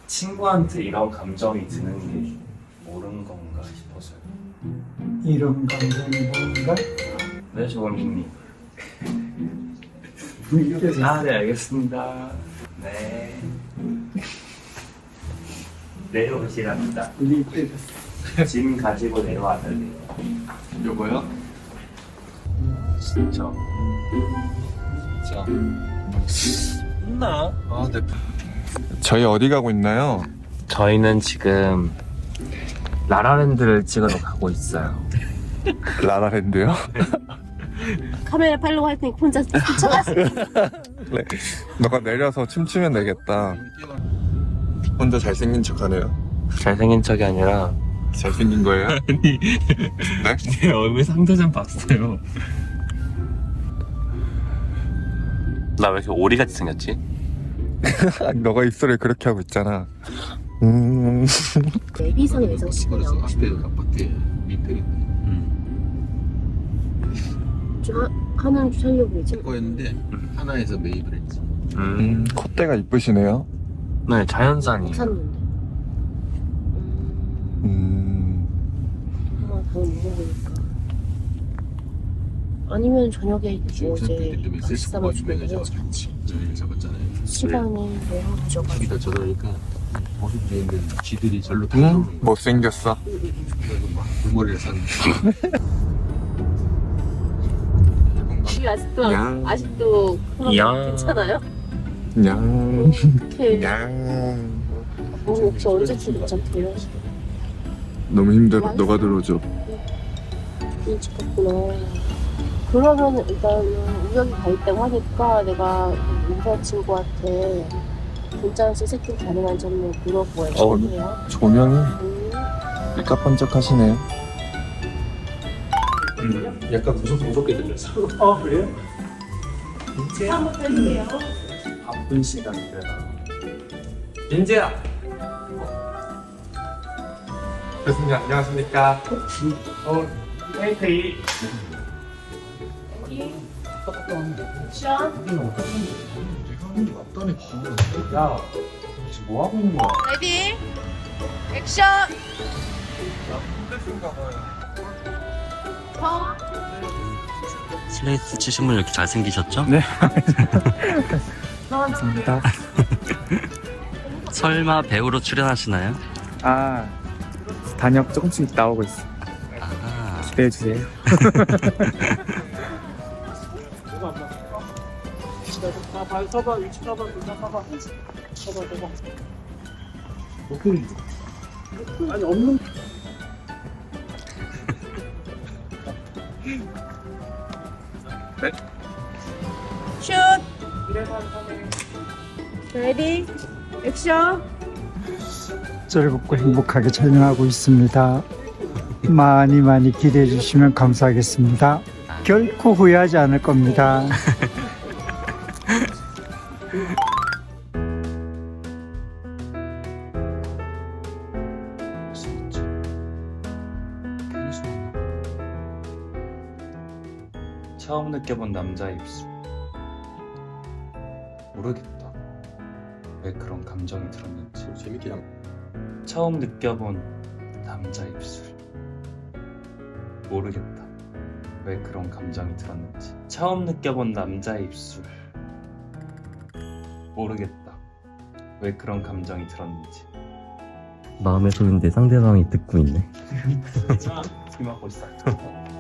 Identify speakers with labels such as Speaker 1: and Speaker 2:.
Speaker 1: 친구한테 이런 감정이 드는 게 옳은 건가 싶어서요.
Speaker 2: 이런 감정이 뭔가?
Speaker 1: 네, 조원님.
Speaker 2: 분께서
Speaker 1: 아, 네, 알겠습니다. 네. 내려오시랍니다.
Speaker 2: 우리 때렸어.
Speaker 1: 짐 가지고 내려와달래요.
Speaker 3: 요거요?
Speaker 1: 진짜. 혼나?
Speaker 3: 아, 네. 저희 어디 가고 있나요?
Speaker 1: 저희는 지금 라라랜드를 찍으러 가고 있어요.
Speaker 3: 라라랜드요?
Speaker 4: 카메라 팔로우 할 테니까 혼자 쫓아가세요.
Speaker 3: 네. 너가 내려서 춤추면 되겠다. 혼자 잘생긴 척하네요.
Speaker 1: 잘생긴 척이 아니라
Speaker 3: 잘생긴 거예요?
Speaker 1: 아니
Speaker 3: 네?
Speaker 1: 내 얼굴 상대 좀 봤어요. 나 왜 이렇게 오리같이 생겼지?
Speaker 3: 너가 입술을 그렇게 하고 있잖아.
Speaker 4: 예비상 예정식이냐. 하나는 주차려고 이제
Speaker 5: 거였는데 하나에서 매입을 했지.
Speaker 3: 콧대가 이쁘시네요.
Speaker 1: 네, 자연산이에요.
Speaker 4: 샀는데. 하나 더 먹어보니까. 아니면 저녁에 뭐 이제 같이 싸먹으면 해야지 같이.
Speaker 5: 잡았잖아요.
Speaker 4: 시간이 너무 부족하고.
Speaker 5: 여기다 저러니까 모습이 있는 쥐들이 절로 달려오는 거.
Speaker 3: 못생겼어.
Speaker 5: 그래서 막 물머리를 샀는데.
Speaker 4: 이게 아직도 그런
Speaker 1: 야.
Speaker 4: 거 괜찮아요?
Speaker 3: 냥.
Speaker 4: 이렇게
Speaker 3: 냥.
Speaker 4: 혹시 언제쯤 괜찮대요?
Speaker 3: 너무 힘들어. 너가 들어줘.
Speaker 4: 일찍 갔구나. 그러면 일단 우연히 가 있다고 하니까 내가 여자친구한테 문자에서 세팅 가능한 점을 물어보아야
Speaker 3: 어.
Speaker 4: 돼요.
Speaker 3: 조명이 일까번쩍하시네요.
Speaker 5: 약간 무섭게 들렸어.
Speaker 2: 어 그래요?
Speaker 4: 한번 해주세요.
Speaker 1: 바쁜 시간이라. 민재야.
Speaker 3: 교수님 안녕하십니까?
Speaker 1: 헤이테이.
Speaker 4: 액션.
Speaker 1: 야, 지금 뭐 하고 있는 거야?
Speaker 4: 레디. 액션. 더.
Speaker 6: 슬레이트 치신 분 이렇게 잘생기셨죠?
Speaker 1: 네.
Speaker 2: 감사합니다.
Speaker 6: 설마 배우로 출연하시나요?
Speaker 2: 아 단역 조금씩 나오고 있어.
Speaker 6: 아,
Speaker 2: 기대해 주세요. 서봐 위치 서봐 서봐 아니 없는
Speaker 4: 슛. 레디. 액션.
Speaker 2: 즐겁고 행복하게 촬영하고 있습니다. 많이 많이 기대해 주시면 감사하겠습니다. 결코 후회하지 않을 겁니다.
Speaker 1: 처음 느껴본 남자의 입술. 모르겠다. 왜 그런 감정이 들었는지.
Speaker 5: 재밌게 한
Speaker 1: 처음 느껴본 남자의 입술. 모르겠다. 왜 그런 감정이 들었는지. 처음 느껴본 남자의 입술. 모르겠다. 왜 그런 감정이 들었는지.
Speaker 6: 마음의 소리인데 상대방이 듣고 있네.
Speaker 1: 지금 하고 있어.